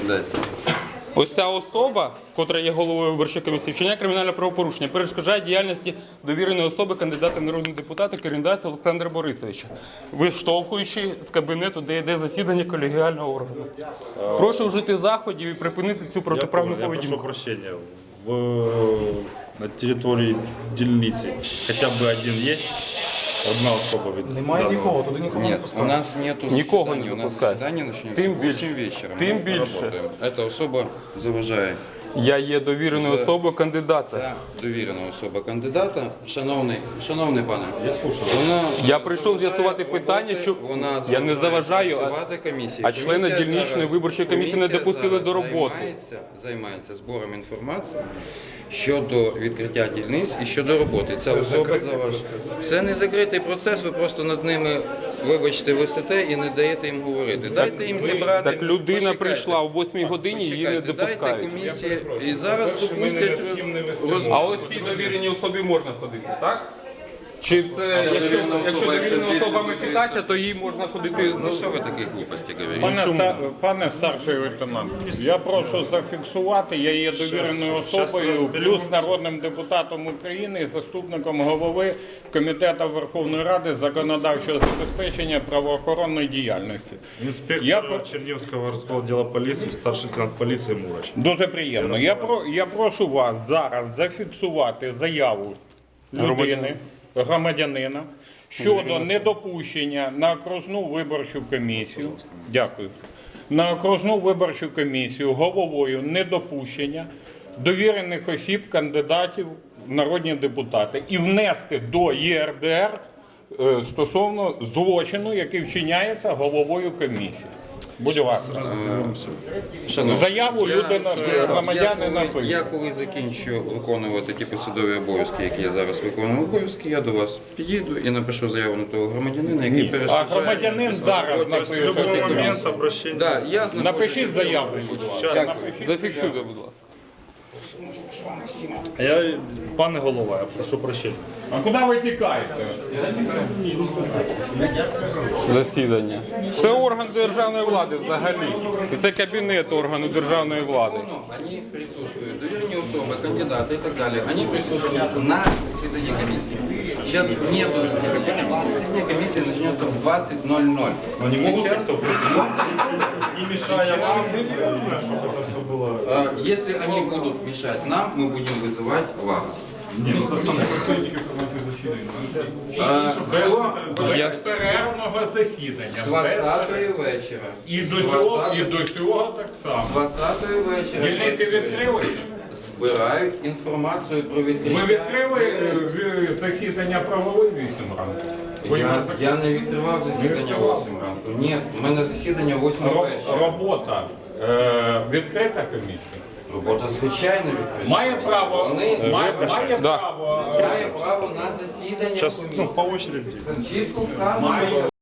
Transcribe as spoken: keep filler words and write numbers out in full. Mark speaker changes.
Speaker 1: Дайте.
Speaker 2: Ось ця особа, котра є головою виборчої комісії, вчиняє кримінальне правопорушення, перешкоджає діяльності довіреної особи кандидата в народні депутати Керендаця Олександра Борисовича, виштовхуючи з кабінету, де йде засідання колегіального органу. Прошу вжити заходів і припинити цю протиправну
Speaker 3: Я прошу
Speaker 2: поведінку.
Speaker 3: прощения. В, на территории дільниці хоча б один є? Одна особа від
Speaker 4: Немає
Speaker 3: даного.
Speaker 4: нікого, туди нікого не
Speaker 1: Нет, у
Speaker 4: пускають.
Speaker 1: нас нету
Speaker 2: Нікого не
Speaker 1: заседания. У нас
Speaker 2: запускають.
Speaker 1: заседание начнется
Speaker 2: Тим
Speaker 1: в восемь
Speaker 2: більше.
Speaker 1: вечера.
Speaker 2: Тим
Speaker 1: Мы
Speaker 2: більше.
Speaker 1: работаем. Эта особа заважає.
Speaker 2: Я є довіреною
Speaker 1: Це-
Speaker 2: особою кандидата.
Speaker 1: Ця довірена особа кандидата. Шановний, шановний пане,
Speaker 3: Я слушаю.
Speaker 1: вона
Speaker 2: Я прийшов з'ясувати питання, що
Speaker 1: вона
Speaker 2: я не заважаю, а,
Speaker 1: працювати комісії.
Speaker 2: а члени
Speaker 1: Комісія
Speaker 2: дільничної
Speaker 1: зараз-
Speaker 2: виборчої комісії не
Speaker 1: комісія
Speaker 2: допустили
Speaker 1: зараз
Speaker 2: до роботи.
Speaker 1: Займається, займається збором інформації щодо відкриття дільниць і щодо роботи. Ця особа заважає. Це не закритий процес, ви просто над ними, вибачте, висите і не даєте їм говорити. Дайте їм зібрати.
Speaker 2: Так людина
Speaker 1: Почекайте.
Speaker 2: прийшла о восьмій годині, її не
Speaker 1: Почекайте,
Speaker 2: допускають.
Speaker 1: Дайте комісії, і зараз допустять розмову.
Speaker 2: А ось цій довіреній особі можна ходити, так? Чи це, якщо,
Speaker 1: довірена
Speaker 2: якщо
Speaker 1: особа, якщо
Speaker 2: довірена
Speaker 1: звідси
Speaker 2: особа
Speaker 1: дивиться?
Speaker 2: мехітація, то їй можна ходити
Speaker 1: Ну
Speaker 2: з...
Speaker 1: що ви такі глупості говорите?
Speaker 5: Пане, ста- пане старший лейтенант, я прошу зафіксувати, я є довіреною
Speaker 3: щас
Speaker 5: особою,
Speaker 3: розберемося.
Speaker 5: плюс народним депутатом України і заступником голови Комітету Верховної Ради з законодавчого забезпечення правоохоронної діяльності.
Speaker 3: Інспектор
Speaker 5: Я про-
Speaker 3: Чернівського розподілу поліції, старший лейтенант поліції Мурач.
Speaker 5: Дуже приємно. Я, про, я прошу вас зараз зафіксувати заяву людини, громадянина, щодо недопущення на окружну виборчу комісію. Дякую. На окружну виборчу комісію головою недопущення довірених осіб, кандидатів в народні депутати і внести до ЄРДР е, стосовно злочину, який вчиняється головою комісії. Будь ласка.
Speaker 1: Шановні,
Speaker 5: Заяву
Speaker 1: я-
Speaker 5: людина,
Speaker 1: я-
Speaker 5: громадянин
Speaker 1: я коли-
Speaker 5: напише.
Speaker 1: Я коли закінчу виконувати ті посадові обов'язки, які я зараз виконую обов'язки, я до вас підійду і напишу заяву на того громадянина, який
Speaker 5: А
Speaker 1: перешкоджає.
Speaker 5: громадянин зараз
Speaker 1: роботі
Speaker 3: В
Speaker 5: напише.
Speaker 3: будь-який
Speaker 1: комісії.
Speaker 3: момент обращення.
Speaker 1: Да, я знаходжуся
Speaker 5: Напишіть
Speaker 1: в
Speaker 5: заяву,
Speaker 1: цьому
Speaker 5: будь
Speaker 1: приміщенні.
Speaker 5: ласка.
Speaker 1: Дякую.
Speaker 5: Напишіть.
Speaker 2: Зафіксуйте, будь ласка.
Speaker 3: А я, пане голова, я прошу прощення.
Speaker 5: А куди ви тікаєте?
Speaker 2: Засідання. Це орган державної влади взагалі. І це кабінет органу державної влади.
Speaker 1: Они присутствуют, доверенные особы, кандидаты и так далее, они присутствуют на заседании комиссии. Сейчас нету заседания комиссии. Заседание комиссии начнется в двадцать ноль ноль.
Speaker 3: Они могут
Speaker 1: Сейчас-
Speaker 3: как-то не мешая вам, чтобы это все было...
Speaker 1: А, Если они будут мешать нам, мы будем вызывать вас.
Speaker 3: Не, ну это самое.
Speaker 1: А, Хто
Speaker 2: Я...
Speaker 5: Перервного засідання.
Speaker 1: з двадцятої вечора?
Speaker 5: І
Speaker 1: З
Speaker 5: до цього, і
Speaker 1: двадцятої-
Speaker 5: до цього так
Speaker 1: з
Speaker 5: само.
Speaker 1: двадцятої вечора
Speaker 5: Дільниці відкрили?
Speaker 1: збирають інформацію про відкриття.
Speaker 5: Ви відкрили е, засідання правової вісім ранку? Ви
Speaker 1: Я,
Speaker 5: його
Speaker 1: я не відкривав засідання в восьмій ранку. Ні, у мене засідання в восьмій
Speaker 5: Ро-
Speaker 1: вечора.
Speaker 5: Робота е, відкрита комісія.
Speaker 1: Робота звичайно відкрита.
Speaker 5: Має право,
Speaker 1: Вони
Speaker 5: має, має
Speaker 2: Да.
Speaker 5: право, е,
Speaker 1: має право на засідання
Speaker 3: Сейчас, ну,
Speaker 1: комісії.
Speaker 3: по очереди.
Speaker 1: Це чітко вказано.
Speaker 5: має